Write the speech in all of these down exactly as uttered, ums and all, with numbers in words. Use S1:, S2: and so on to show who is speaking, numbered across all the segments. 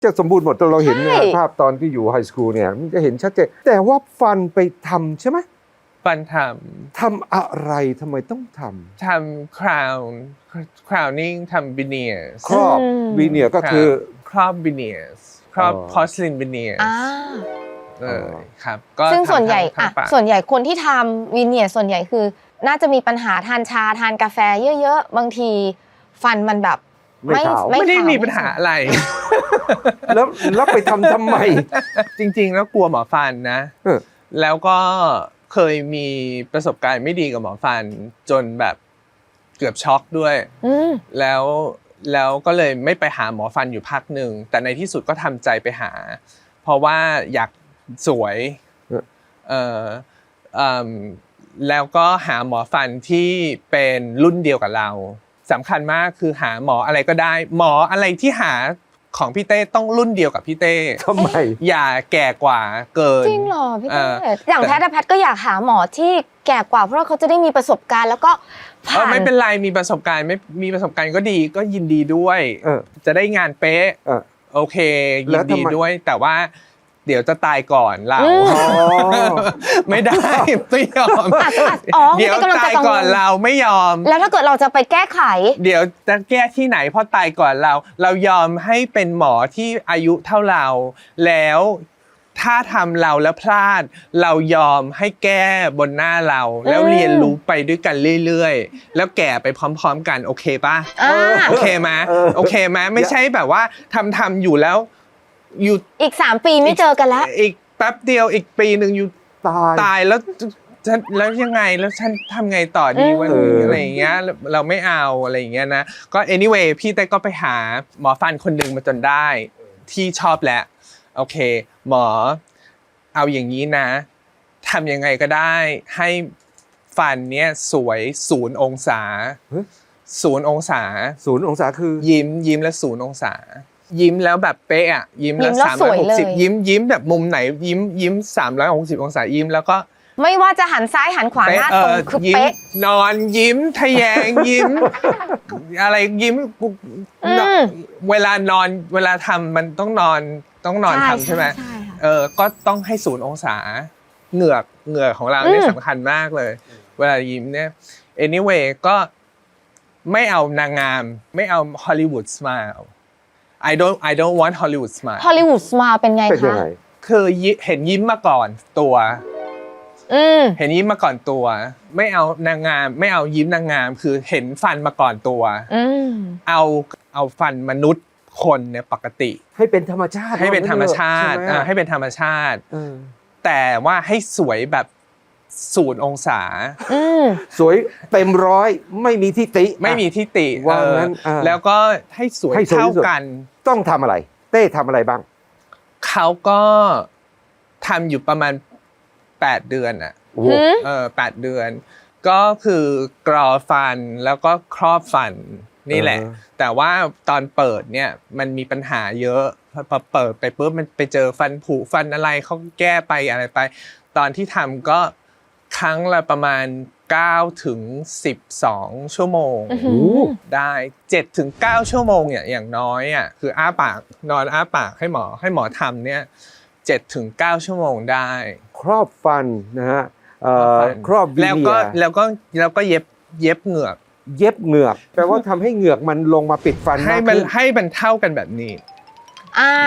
S1: จะสมบูรณ์หมดเราเห็นเนี่ยภาพตอนที่อยู่ไฮสคูลเนี่ยมันจะเห็นชัดเจนแต่ว่าฟันไปทำใช่ไหม
S2: ฟันท
S1: ำทำอะไรทำไมต้องท
S2: ำทำ crown crowning ทำ veneers
S1: ำครอบวีเนียก็คือ
S2: ครอบ veneers ครอบ porcelain veneers เออครับ
S3: ซึ่งส่วนใหญ่อ่ะส่วนใหญ่คนที่ทำวีเนียส่วนใหญ่คือน่าจะมีปัญหาทานชาทานกาแฟเยอะๆบางทีฟันมันแบบ
S1: ไม่
S2: ไม่ได้มีปัญหาอะไร
S1: แล้วแล้วไปทำทำไม
S2: จริงๆแล้วกลัวหมอฟันนะแล้วก็เคยมีประสบการณ์ไม่ดีกับหมอฟันจนแบบเกือบช็อกด้วยแล้วแล้วก็เลยไม่ไปหาหมอฟันอยู่พักหนึ่งแต่ในที่สุดก็ทำใจไปหาเพราะว่าอยากสวยเออแล้วก็หาหมอฟันที่เป็นรุ่นเดียวกับเราสำคัญมากคือหาหมออะไรก็ได้หมออะไรที่หาของพี่เต้ต้องรุ่นเดียวกับพี่เต้
S1: ทำไม
S2: อย่าแก่กว่าเกิน
S3: จริงเหรอพี่เต้อย่างแพทย์แพทย์ก็อยากหาหมอที่แก่กว่าเพราะเขาจะได้มีประสบการณ์แล้วก็
S2: ผ่านไม่เป็นไรมีประสบการณ์ไม่มีประสบการณ์ก็ดีก็ยินดีด้วยจะได้งานเป๊ะโอเคยินดีด้วยแต่ว่าเดี๋ยวจะตายก่อนเราไม่ได้ไม่ยอมเดี๋ยวตายก่อนเราไม่ยอม
S3: แล้วถ้าเกิดเราจะไปแก้ไข
S2: เดี๋ยวจะแก้ที่ไหนเพราะตายก่อนเราเรายอมให้เป็นหมอที่อายุเท่าเราแล้วถ้าทำเราแล้วพลาดเรายอมให้แก้บนหน้าเราแล้วเรียนรู้ไปด้วยกันเรื่อยๆแล้วแก่ไปพร้อมๆกันโอเคป่ะโอเคไหมโอเคไหมไม่ใช่แบบว่าทำทำอยู่แล้วอยู่
S3: อีกสามปีไม่เจอกันแล้ว
S2: อีกแป๊บเดียวอีกปีหนึ่งอยู่ตายตายแล้วฉันแล้วยังไงแล้วฉันทำไงต่อดีวันนี้อะไรอย่างเงี้ยเราไม่เอาอะไรอย่างเงี้ยนะก็ anyway พี่เต้ก็ไปหาหมอฟันคนหนึ่งมาจนได้ที่ชอบแล้วโอเคหมอเอาอย่างนี้นะทำยังไงก็ได้ให้ฟันเนี้ยสวยศูนย์องศาศูนย์องศา
S1: ศูนย์องศาคือ
S2: ยิ้มยิ้มแล้วศูนย์องศายิ้มแล้วแบบเป๊ะอ่ะยิ้มแล้วสามร้อยหกสิบยิ้มยิ้มแบบมุมไหนยิ้มยิ้มสามร้อยหกสิบองศายิ้มแล้วก็
S3: ไม่ว่าจะหันซ้ายหันขวาหน้าตรงคือเป๊ะ
S2: นอนยิ้มทะแยงยิ้มอะไรยิ้มเวลานอนเวลาทำมันต้องนอนต้องนอนทำใช่ไหมเออก็ต้องให้ศูนย์องศาเหงือกเหงือกของเราเนี่ยสำคัญมากเลยเวลายิ้มเนี่ย anyway ก็ไม่เอานางงามไม่เอา Hollywood smile I don't I don't want Hollywood smile
S3: Hollywood smile เป็นไงคะ
S2: คือเห็นยิ้มมาก่อนตัวเห็นยิ้มมาก่อนตัวไม่เอานางงามไม่เอายิ้มนางงามคือเห็นฟันมาก่อนตัวเอาเอาฟันมนุษย์คนเนี่ยปกติ
S1: ให้เป็นธรรมชาติ
S2: ให้เป็นธรรมชาติให้เป็นธรรมชาติแต่ว่าให้สวยแบบศูนย์องศา
S1: สวยเต็มร้อยไม่มีทิฏฐิ
S2: ไม่มีทิฏฐิว่างั้นแล้วก็ให้สวยเท่ากัน
S1: ต้องทำอะไรเต้ทำอะไรบ้าง
S2: เขาก็ทำอยู่ประมาณแปดเดือนอ่ะเออแปดเดือนก็คือกรอฟันแล้วก็ครอบฟันนี่แหละแต่ว่าตอนเปิดเนี่ยมันมีปัญหาเยอะพอเปิดไปปุ๊บมันไปเจอฟันผุฟันอะไรเขาแก้ไปอะไรไปตอนที่ทำก็ครั้งละประมาณเก้าถึงสิบสองชั่วโมงได้เจ็ดถึงเก้าชั่วโมงเนี่ยอย่างน้อยอ่ะคืออ้าปากนอนอ้าปากให้หมอให้หมอทำเนี่ยเจ็ดถึงเก้าชั่วโมงได้
S1: ครอบฟันนะฮะครอบวีเนีย
S2: แล้วก็แล้วก็แล้วก็เย็บเย็บเหงือก
S1: เย็บเหงือกแปลว่าทำให้เหงือกมันลงมาปิดฟัน
S2: ให้มันให้มันเท่ากันแบบนี้
S3: อ่า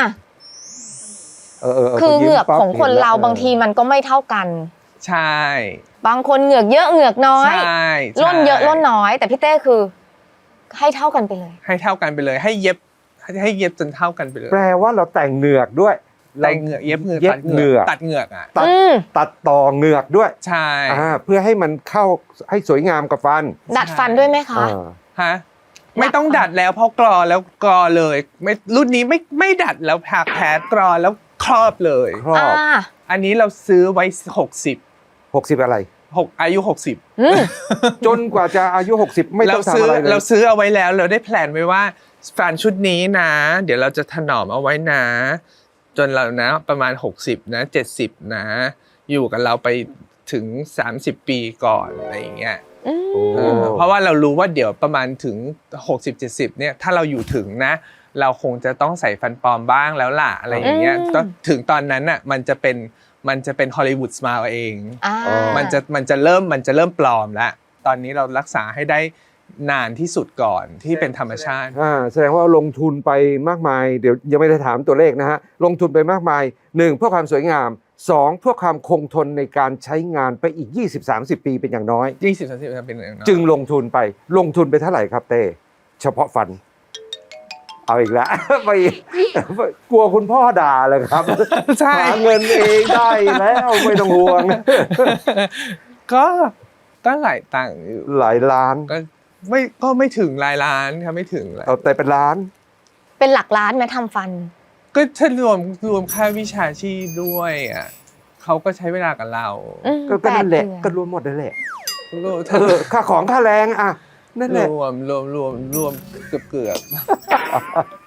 S3: คือเหงือกของคนเราบางทีมันก็ไม่เท่ากัน
S2: ใช่
S3: บางคนเหงือกเยอะเหงือกน้อยร่นเยอะร่นน้อยแต่พี่เต้คือให้เท่ากันไปเลย
S2: ให้เท่ากันไปเลยให้เย็บให้เย็บจนเท่ากันไปเลย
S1: แปลว่าเราแต่งเหงือกด้วย
S2: แต่งเหงือกเย็บเหงือกตัดเหงือกตัดเหงือกอ่ะ
S1: ตัดตัดต่อเหงือกด้วย
S2: ใช่
S1: เพื่อให้มันเข้าให้สวยงามกับฟัน
S3: ดัดฟันด้วยไหมคะ
S2: ฮะไม่ต้องดัดแล้วเพราะกรอแล้วกรอเลยไม่รุ่นนี้ไม่ไม่ดัดแล้วผักแผลกรอแล้วครอบเลย
S1: ครอบ
S2: อันนี้เราซื้อไว้หกสิบ
S1: หกสิบอะไร
S2: หกอายุหกสิบ
S1: จนกว่าจะอายุหกสิบไม่ต้องทำอะไรเลย
S2: เราซื้อเอาไว้แล้วเราได้แพลนไว้ว่าฟันชุดนี้นะเดี๋ยวเราจะถนอมเอาไว้นะจนเรานะประมาณหกสิบนะเจ็ดสิบนะอยู่กับเราไปถึงสามสิบปีก่อนอะไรอย่างเงี้ยเพราะว่าเรารู้ว่าเดี๋ยวประมาณถึงหกสิบ เจ็ดสิบเนี่ยถ้าเราอยู่ถึงนะเราคงจะต้องใส่ฟันปลอมบ้างแล้วล่ะอะไรอย่างเงี้ยก็ถึงตอนนั้นน่ะมันจะเป็นมันจะเป็นฮอลลีวูดสไมล์เองมันจะมันจะเริ่มมันจะเริ่มปลอมแล้วตอนนี้เรารักษาให้ได้นานที่สุดก่อนที่เป็นธรรมชาติ
S1: อ่าแสดงว่าลงทุนไปมากมายเดี๋ยวยังไม่ได้ถามตัวเลขนะฮะลงทุนไปมากมายหนึ่งเพื่อความสวยงามสองเพื่อความคงทนในการใช้งานไปอีก ยี่สิบถึงสามสิบ ปีเป็นอย่างน้อย
S2: ยี่สิบถึงสามสิบ ปีเป็นอย่างน้อย
S1: จึงลงทุนไปลงทุนไปเท่าไหร่ครับเต้เฉพาะฟันเอาอีกแล้ว ไปกลัวคุณพ่อด่าเลยครับหาเงินเองได้แล้วไม่ต้องห่วง
S2: ก็ก็หลายตังค์อยู่
S1: หลายล้าน
S2: ก็ไม่ก็ไม่ถึงหลายล้านครับไม่ถึงเลย
S1: เอาแต่เป็นล้าน
S3: เป็นหลักล้านไหมทำฟัน
S2: ก็ถ้ารวมรวมค่าวิชาชีพด้วยอ่ะเขาก็ใช้เวลากับเรา
S1: ก็นั่นแหละก็รวมหมดนั่นแหละค่าของค่าแรงอ่ะนั่นแหละ
S2: รวมรวมรวมรวมเกือบเกือบ